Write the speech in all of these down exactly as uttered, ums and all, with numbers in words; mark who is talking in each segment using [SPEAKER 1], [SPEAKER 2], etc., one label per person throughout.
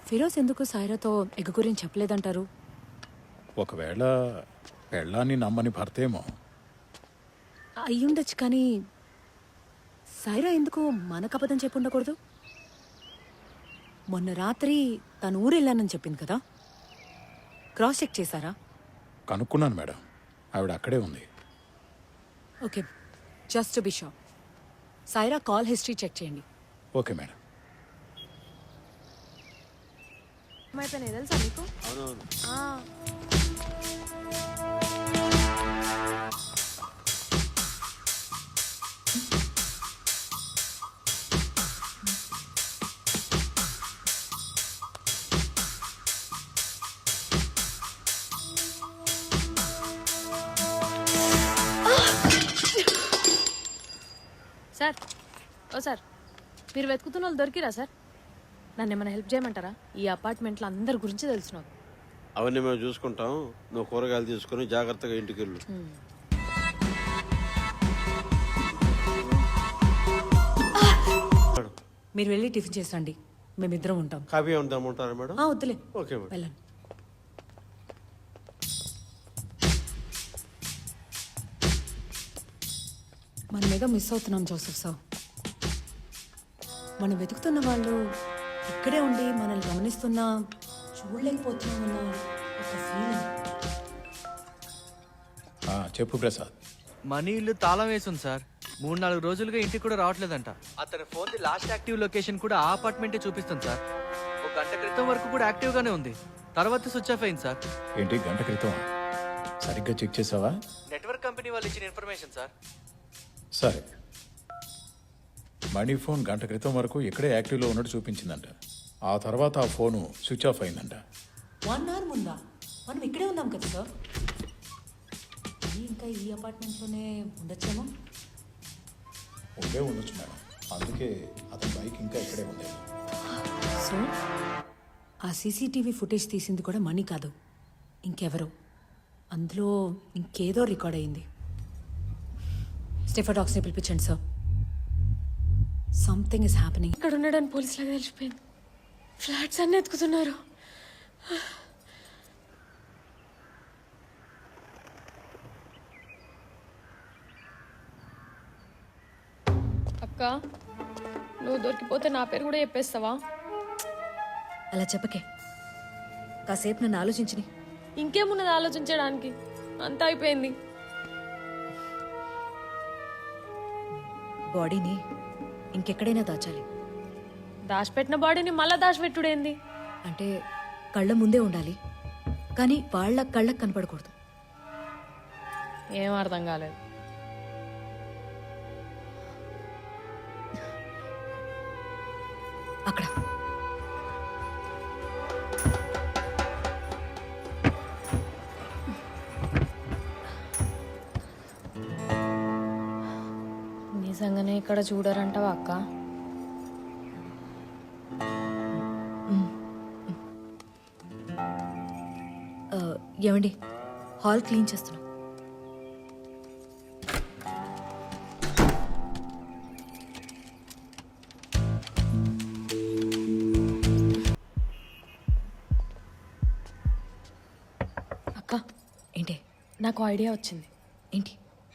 [SPEAKER 1] ఫిరోజ్ ఎందుకు సాయిరాతో ఎగ్ గురించి చెప్పలేదంటారు?
[SPEAKER 2] ఒకవేళ పెళ్ళాన్ని నమ్మని భర్తేమో.
[SPEAKER 1] అయ్యుండొచ్చు, కానీ సాయిరా ఎందుకు మనకు అబద్ధం చెప్పి ఉండకూడదు? మొన్న రాత్రి తను ఊరెళ్ళానని చెప్పింది కదా, క్రాస్ చెక్ చేశారా?
[SPEAKER 2] కనుక్కున్నాను మేడం, ఆవిడ అక్కడే ఉంది.
[SPEAKER 1] Okay, just to be sure Saira call history check చేయండి.
[SPEAKER 2] Okay madam.
[SPEAKER 3] అయిపోయినాయి తెలుసా మీకు? సార్, ఓ సార్, మీరు వెతుకుతున్న వాళ్ళు దొరికిరా సార్? నన్ను ఏమైనా హెల్ప్ చేయమంటారా? ఈ అపార్ట్మెంట్లో అందరి గురించి తెలుసు నాకు.
[SPEAKER 4] అవన్నీ మేము చూసుకుంటాం, నువ్వు కూరగాయలు తీసుకుని జాగ్రత్తగా ఇంటికి వెళ్ళు.
[SPEAKER 1] మీరు వెళ్ళి టిఫిన్ చేసండి, మేమిద్దరం ఉంటాం.
[SPEAKER 4] కాఫీ ఉందామంటారా మేడం?
[SPEAKER 1] ఆ, వద్దులే,
[SPEAKER 4] ఓకే మేడం.
[SPEAKER 1] వెళ్ళండి. మనమేగా మిస్ అవుతున్నాం జోసెఫ్ సార్. మనం వెతుకుతున్న వాళ్ళు ఇక్కడే ఉండి మనల్ని గమనిస్తున్నా చూడలేకపోతున్నామన్న ఒక ఫీలింగ్.
[SPEAKER 2] ఆ, చెప్పు ప్రసాద్.
[SPEAKER 5] మనీ ఇల్లు తాళం వేసింది సార్. మూడు నాలుగు రోజులుగా ఇంటికి కూడా రావట్లేదంట. అతని phone the last active location కూడా ఆ అపార్ట్మెంటే చూపిస్తుంది సార్. ఒక గంట క్రితం వరకు కూడా యాక్టివ్ గానే ఉంది, తర్వాత స్విచ్ ఆఫ్ అయింది సార్.
[SPEAKER 2] ఏంటి, గంట క్రితం? సరిగ్గా చెక్ చేసావా?
[SPEAKER 5] నెట్వర్క్ కంపెనీ వాళ్ళు ఇచ్చిన ఇన్ఫర్మేషన్ సార్.
[SPEAKER 2] సరే, మనీ ఫోన్ గంట క్రితం వరకు ఇక్కడే యాక్టివ్లో ఉన్నట్టు చూపించిందంట. ఆ తర్వాత ఆ ఫోను స్విచ్ ఆఫ్ అయిందంట.
[SPEAKER 1] వన్ అవర్ ముందా? మనం ఇక్కడే ఉన్నాం కదా సార్. ఇంకా ఈ అపార్ట్మెంట్లోనే ఉండొచ్చేమో.
[SPEAKER 2] ఉండే ఉండొచ్చు మేడం, అందుకే అతని బైక్ ఇంకా ఇక్కడే ఉంది.
[SPEAKER 1] సో ఆ సీసీటీవీ ఫుటేజ్ తీసింది కూడా మనీ కాదు, ఇంకెవరో. అందులో ఇంకేదో రికార్డ్ అయింది. స్టెఫాడాక్స్ని పిలిపించండి సార్. Something is happening.
[SPEAKER 3] ఇక్కడ ఉండడానికి పోలీసులకు తెలిసిపోయింది. ఫ్లాట్స్ అన్నీ ఎత్తుకుతున్నారు. అక్క, నువ్వు దొరికిపోతే నా పేరు కూడా చెప్పేస్తావా?
[SPEAKER 1] అలా చెప్పకే, కాసేపు నన్ను ఆలోచించని.
[SPEAKER 3] ఇంకేమున్నది ఆలోచించడానికి? అంతా అయిపోయింది.
[SPEAKER 1] బాడీని ఇంకెక్కడైనా దాచాలి.
[SPEAKER 3] దాచిపెట్టిన బాడీని మళ్ళా దాచిపెట్టుడేంది?
[SPEAKER 1] అంటే కళ్ళ ముందే ఉండాలి, కానీ వాళ్ళ కళ్ళకు కనపడకూడదు.
[SPEAKER 3] ఏం అర్థం కాలేదు.
[SPEAKER 1] అక్కడ
[SPEAKER 3] నిజంగానే ఇక్కడ చూడరంటావా అక్క?
[SPEAKER 1] ఏమండి, హాల్ క్లీన్ చేస్తున్నాం.
[SPEAKER 3] అక్క,
[SPEAKER 1] ఏంటి?
[SPEAKER 3] నాకు ఐడియా వచ్చింది.
[SPEAKER 1] ఏంటి?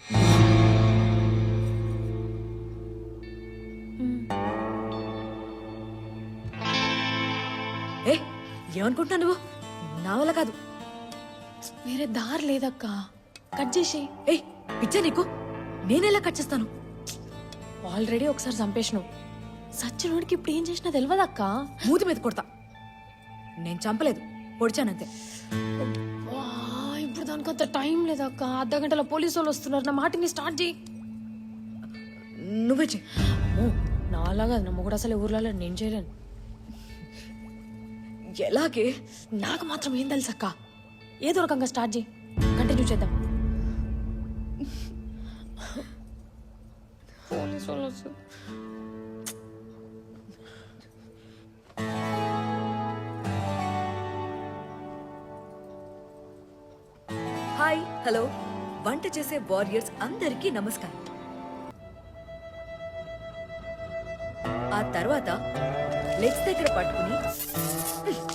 [SPEAKER 1] ఏ ఏమనుకుంటున్నా నువ్వు? నా వల్ల కాదు.
[SPEAKER 3] వేరే దారి లేదక్క, కట్ చేసి.
[SPEAKER 1] ఏ పిచ్చా నీకు? నేనెలా కట్ చేస్తాను?
[SPEAKER 3] ఆల్రెడీ ఒకసారి చంపేసినావు. సచ్చినోడికి ఇప్పుడు ఏం చేసినా తెలియదక్క.
[SPEAKER 1] మూతి మీద కొడతా. నేను చంపలేదు, పొడిచానంతే.
[SPEAKER 3] వా, ఇప్పుడు దానికంత టైం లేదక్క. అర్ధ గంటల పోలీసు వాళ్ళు వస్తున్నారు. నా మాటిని స్టార్ట్ చేయి.
[SPEAKER 1] నువ్వే చెయ్యి.
[SPEAKER 3] ఓ, నాలాగా నా మొగుడు అసలు ఊర్లలో నేను చేయలేను.
[SPEAKER 1] ఎలాగే?
[SPEAKER 3] నాకు మాత్రం ఏం తెలుసు అక్క. ఏదో రకంగా స్టార్ట్ చేయి, కంటిన్యూ చేద్దాం. పోలీసు వాళ్ళు వస్తారు.
[SPEAKER 1] Hi, hello. వంట చేసే వారియర్స్ అందరికీ నమస్కారం. ఆ తర్వాత లెగ్స్ దగ్గర పట్టుకుని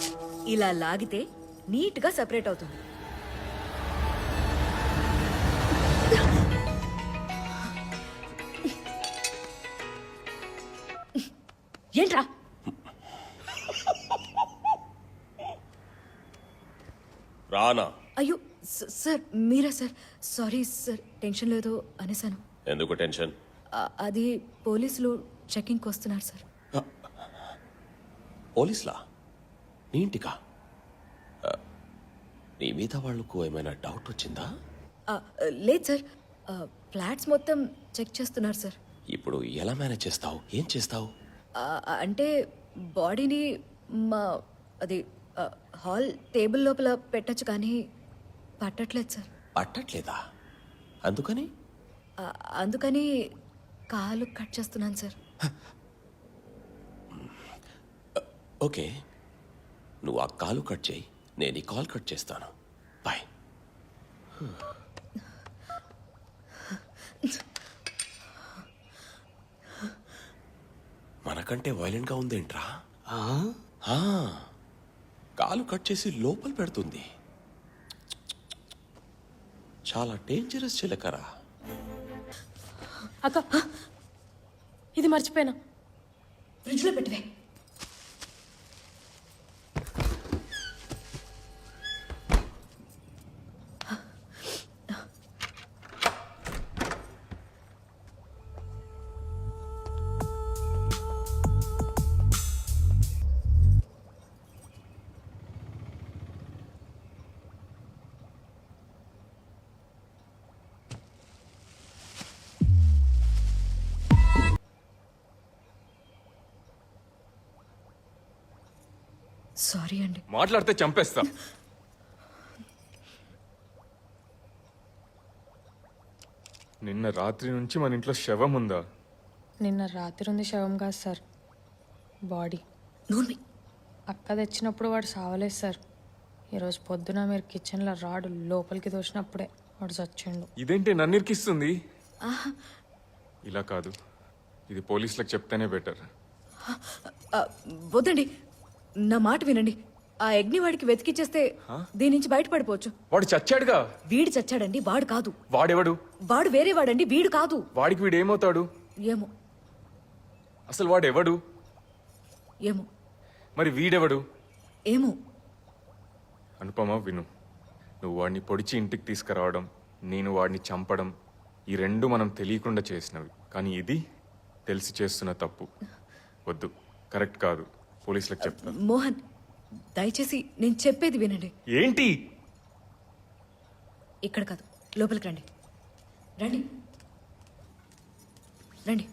[SPEAKER 6] ఇలా లాగితే నీట్గా సెపరేట్ అవుతుంది. ఏంట్రా?
[SPEAKER 7] రానా?
[SPEAKER 6] అయ్యో స- సార్ మీరా సార్? సారీ సార్, టెన్షన్ లేదు అనేసాను.
[SPEAKER 7] ఎందుకు టెన్షన్?
[SPEAKER 6] ఆ- అది పోలీసులు చెకింగ్కి వస్తున్నారు సార్.
[SPEAKER 7] పోలీసులా? నీ ఇంటికా? ఆ, నీ మీద వాళ్ళకు ఏమైనా డౌట్ వచ్చిందా?
[SPEAKER 6] ఆ, లేదు సార్, ఆ, ఫ్లాట్స్ మొత్తం చెక్ చేస్తున్నారు సార్.
[SPEAKER 7] ఇప్పుడు ఎలా మేనేజ్ చేస్తావు? ఏం చేస్తావు?
[SPEAKER 6] ఆ, అంటే బాడీని మా అది ఆ, హాల్ టేబుల్ లోపల పెట్టచ్చు కానీ పట్టట్లేదు సార్.
[SPEAKER 7] పట్టట్లేదా? అందుకని?
[SPEAKER 6] ఆ, అందుకని కాలు కట్ చేస్తున్నాను సార్.
[SPEAKER 7] ఓకే, నువ్వు ఆ కాలు కట్ చేయి, నేను ఈ కాల్ కట్ చేస్తాను. బాయ్. మనకంటే వైలెంట్గా ఉందేంట్రా? ఆ, కాలు కట్ చేసి లోపల పెడుతుంది. చాలా డేంజరస్ చిలకరా.
[SPEAKER 3] అక్క ఇది మర్చిపోయినా.
[SPEAKER 6] ఫ్రిడ్జ్లో పెట్టవే. సారీ అండి.
[SPEAKER 8] మాట్లాడితే చంపేస్తా. నిన్న రాత్రి నుంచి మన ఇంట్లో శవం ఉందా?
[SPEAKER 3] నిన్న రాత్రి ఉంది శవం కాదు సార్, బాడీ.
[SPEAKER 6] నూనె
[SPEAKER 3] అక్క తెచ్చినప్పుడు వాడు సావలేదు సార్. ఈరోజు పొద్దున మీరు కిచెన్లో రాడు లోపలికి దోసినప్పుడే వాడు చచ్చిండు.
[SPEAKER 8] ఇదేంటి నన్ను ఇరికిస్తుంది? ఇలా కాదు, ఇది పోలీసులకు చెప్తేనే బెటర్.
[SPEAKER 6] ఆ, వద్దండి, నా మాట వినండి. ఆ అగ్ని వాడికి వెతికిచ్చేస్తే దీని నుంచి బయటపడిపోవచ్చు.
[SPEAKER 8] వాడు చచ్చాడుగా.
[SPEAKER 6] వీడు చచ్చాడండి, వాడు కాదు.
[SPEAKER 8] వాడెవడు?
[SPEAKER 6] వాడు వేరే వాడండి, వీడు కాదు.
[SPEAKER 8] వాడికి వీడు ఏమవుతాడు?
[SPEAKER 6] ఏమో
[SPEAKER 8] అసలు వాడెవడు?
[SPEAKER 6] ఏమో
[SPEAKER 8] మరి వీడెవడు?
[SPEAKER 6] ఏమో
[SPEAKER 8] అనుపమ, విను. నువ్వు వాడిని పొడిచి ఇంటికి తీసుకురావడం, నేను వాడిని చంపడం, ఈ రెండు మనం తెలియకుండా చేసినవి. కానీ ఇది తెలిసి చేస్తున్న తప్పు. వద్దు, కరెక్ట్ కాదు. పోలీసులకు చెప్తా.
[SPEAKER 6] మోహన్, దయచేసి నేను చెప్పేది వినండి.
[SPEAKER 8] ఏంటి?
[SPEAKER 6] ఇక్కడ కాదు, లోపలికి రండి. రండి రండి.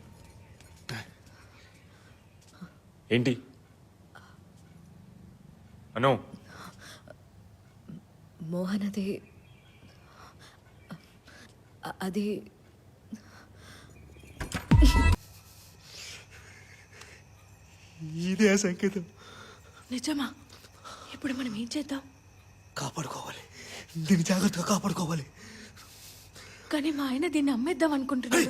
[SPEAKER 8] ఏంటి అనో?
[SPEAKER 6] మోహన్, అది అ- అది
[SPEAKER 9] ఇదే ఆ సంకేతం.
[SPEAKER 3] నిజమా? ఇప్పుడు మనం ఏం చేద్దాం?
[SPEAKER 9] కాపాడుకోవాలి, దీన్ని జాగ్రత్తగా కాపాడుకోవాలి.
[SPEAKER 3] కానీ మా ఆయన దీన్ని అమ్మేద్దాం అనుకుంటున్నాడు.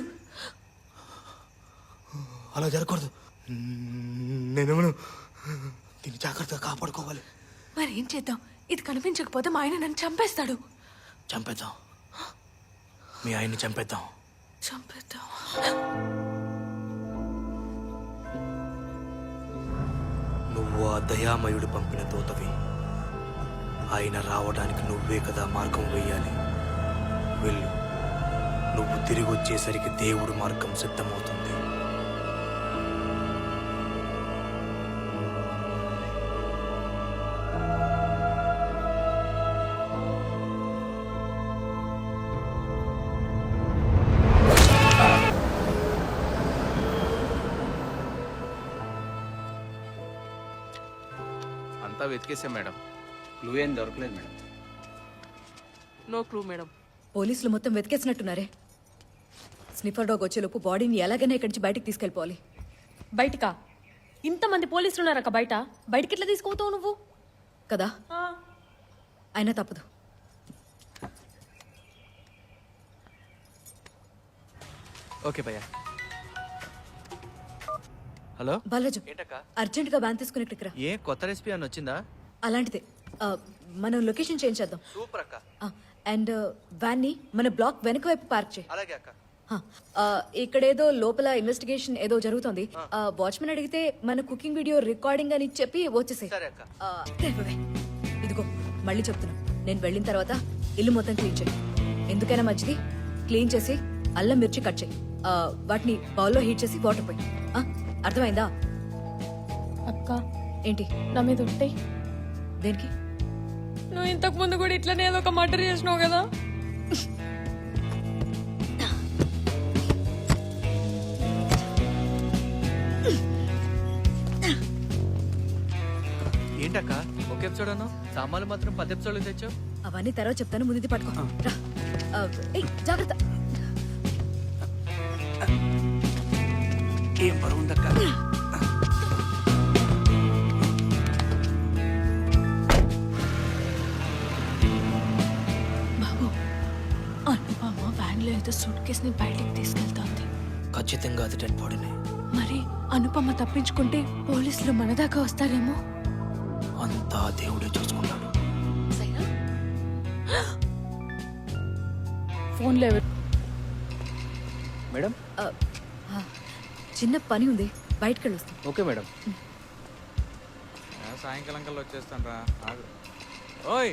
[SPEAKER 9] అలా జరగకూడదు. నేనేమను దీన్ని జాగ్రత్తగా కాపాడుకోవాలి.
[SPEAKER 3] మరి ఏం చేద్దాం? ఇది కనిపించకపోతే మా ఆయన నన్ను చంపేస్తాడు.
[SPEAKER 9] చంపేద్దాం, మీ ఆయన్ని చంపేద్దాం.
[SPEAKER 3] చంపేద్దాం.
[SPEAKER 9] నువ్వు ఆ దయామయుడు పంపిన దూతవి. ఆయన రావడానికి నువ్వే కదా మార్గం వేయాలి. వెళ్ళు, నువ్వు తిరిగి వచ్చేసరికి దేవుడు మార్గం సిద్ధమవుతుంది.
[SPEAKER 5] అంతా వెతికేసాం మేడం.
[SPEAKER 10] క్లూ ఏం దొరకలేదు మేడం.
[SPEAKER 5] No clue madam.
[SPEAKER 6] పోలీసులు మొత్తం వెతికేసినట్టున్నారే. స్నిఫర్ డాగ్ వచ్చేలోపు బాడీని ఎలాగైనా ఇక్కడి నుంచి బయటికి తీసుకెళ్ళిపోవాలి.
[SPEAKER 3] బయటికా? ఇంతమంది పోలీసులు ఉన్నారక్క బయట. బయటికి ఎట్లా తీసుకుపోతావు నువ్వు?
[SPEAKER 6] కదా, అయినా తప్పదు.
[SPEAKER 5] ఓకే భయ్యా. హలో
[SPEAKER 6] బాలాజు,
[SPEAKER 5] ఏంటక్క?
[SPEAKER 6] అర్జెంట్ గా వ్యాన్ తీసుకుని ఇక్కడికి రా.
[SPEAKER 5] ఏ కొత్త రెసిపీ అని వచ్చిందా?
[SPEAKER 6] అలాంటిదే ఆ, మనం లొకేషన్ చేంజ్ చేద్దాం
[SPEAKER 5] సూపర్ అక్క.
[SPEAKER 6] అండ్ వ్యాన్ని మన బ్లాక్ వెనక వైపు పార్క్ చేయి
[SPEAKER 5] అలాగే అక్క.
[SPEAKER 6] హ, ఆ, ఇక్కడేదో లోపల ఇన్వెస్టిగేషన్ ఏదో జరుగుతోంది వాచ్మెన్ అడిగితే మన కుకింగ్ వీడియో రికార్డింగ్ అని చెప్పి వచ్చేసాయి
[SPEAKER 5] సరే అక్క.
[SPEAKER 6] ఇదిగో మళ్ళీ చెప్తున్నా నేను వెళ్ళిన తర్వాత ఇల్లు మొత్తం క్లీన్ చేయి ఎందుకైనా మంచిది క్లీన్ చేసి అల్లం మిర్చి కట్ చేయి ఆ, వాటిని బౌల్లో హీట్ చేసి వాటర్ పోయి ఆ, అర్థమైందా
[SPEAKER 3] అక్క
[SPEAKER 6] ఏంటి
[SPEAKER 3] నా మీద ఉంటాయి.
[SPEAKER 6] దేనికి
[SPEAKER 3] నువ్వు ఇంతకు ముందు కూడా ఇట్లనే ఏదో ఒక మర్డర్ చేసినావు కదా.
[SPEAKER 5] ఏంటక్క ఒక ఎపిసోడ్ అన్నావు, సామాన్లు మాత్రం పది ఎపిసోడ్లు తెచ్చావు.
[SPEAKER 6] అవన్నీ తర్వాత చెప్తాను ముందు ఇది పట్టుకో రా ఆ, ఏయ్, జాగ్రత్త
[SPEAKER 9] ఏం బరువు ఉందక్క?
[SPEAKER 3] బాబు అనుపమ వ్యాన్లో ఏదో సూట్ కేసుని బయటికి తీసుకెళ్తోంది.
[SPEAKER 9] ఖచ్చితంగా అది డెడ్ బాడీనే.
[SPEAKER 3] మరి అనుపమ తప్పించుకుంటే పోలీసులు మన దాకా వస్తారేమో.
[SPEAKER 9] అంతా దేవుడే చూసుకుంటాడు.
[SPEAKER 3] ఫోన్లో ఎవరు?
[SPEAKER 10] మేడం
[SPEAKER 6] ఆ, ఆ, చిన్న పని ఉంది బయటకు వెళ్ళొస్తాం
[SPEAKER 10] ఓకే మేడం.
[SPEAKER 5] సాయంకాలం కల్లా వచ్చేస్తాను రా. ఓయ్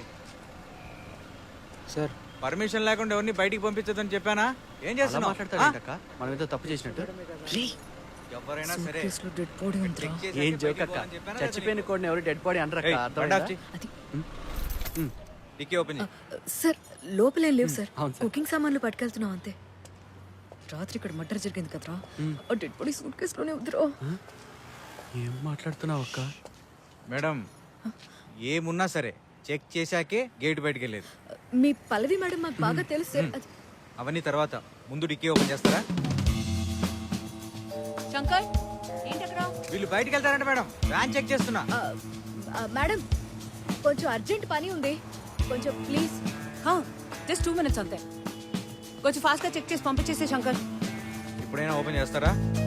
[SPEAKER 10] సార్
[SPEAKER 5] పర్మిషన్ లేకుండా ఎవరిని బయటికి పంపించదని చెప్పానా? ఏం చేస్తున్నావు? మాట్లాడతాడు
[SPEAKER 10] మనం ఏదో తప్పు చేసినట్టు.
[SPEAKER 5] ఎవరైనా సరే
[SPEAKER 6] కేసులో డెడ్ బాడీ ఉందిరా
[SPEAKER 5] చెక్ చేసి
[SPEAKER 10] ఏం
[SPEAKER 5] బయటికి
[SPEAKER 10] జోక్ అక్క,
[SPEAKER 5] పోవాలని చెప్పానా లేదా
[SPEAKER 10] చచ్చిపోయిన
[SPEAKER 5] నీకు?
[SPEAKER 10] కోడిని ఎవరు డెడ్ బాడీ అనరక్క.
[SPEAKER 5] ఏయ్, బండి ఆఫ్
[SPEAKER 10] అర్థమైందా?
[SPEAKER 5] చెయ్.
[SPEAKER 6] అది
[SPEAKER 5] డిక్కీ ఓపెన్ చేయి.
[SPEAKER 6] సార్ లోపలేం లేవు సార్
[SPEAKER 10] అవును సార్.
[SPEAKER 6] కుకింగ్ సామాన్లు పట్టుకెళ్తున్నాం అంతే రాత్రి ఇక్కడ మర్డర్ జరిగింది కదరా ఆ డెడ్ బాడీ సూట్ కేసులోనే ఉందిరా
[SPEAKER 10] ఏం మాట్లాడుతున్నావు అక్క?
[SPEAKER 5] మేడం ఏమున్నా సరే చెక్ చేశాకే గేట్ బయటికి వెళ్ళేది.
[SPEAKER 6] మీ పల్లవి మేడం మాకు బాగా తెలుసు సార్ అది
[SPEAKER 5] అవన్నీ తర్వాత ముందు డిక్కీ ఓపెన్ చేస్తారా?
[SPEAKER 1] శంకర్ ఏంటక్కడ?
[SPEAKER 5] వీళ్ళు బయటికి వెళ్తారంట మేడం. వ్యాన్ చెక్ చేస్తున్నా.
[SPEAKER 6] ఆ, ఆ, మేడం కొంచెం అర్జెంట్ పని ఉంది కొంచెం ప్లీజ్
[SPEAKER 1] జస్ట్ టూ మినిట్స్ అంతే. కొంచెం ఫాస్ట్గా చెక్ చేసి పంపించేసే శంకర్.
[SPEAKER 5] ఇప్పుడైనా ఓపెన్ చేస్తారా?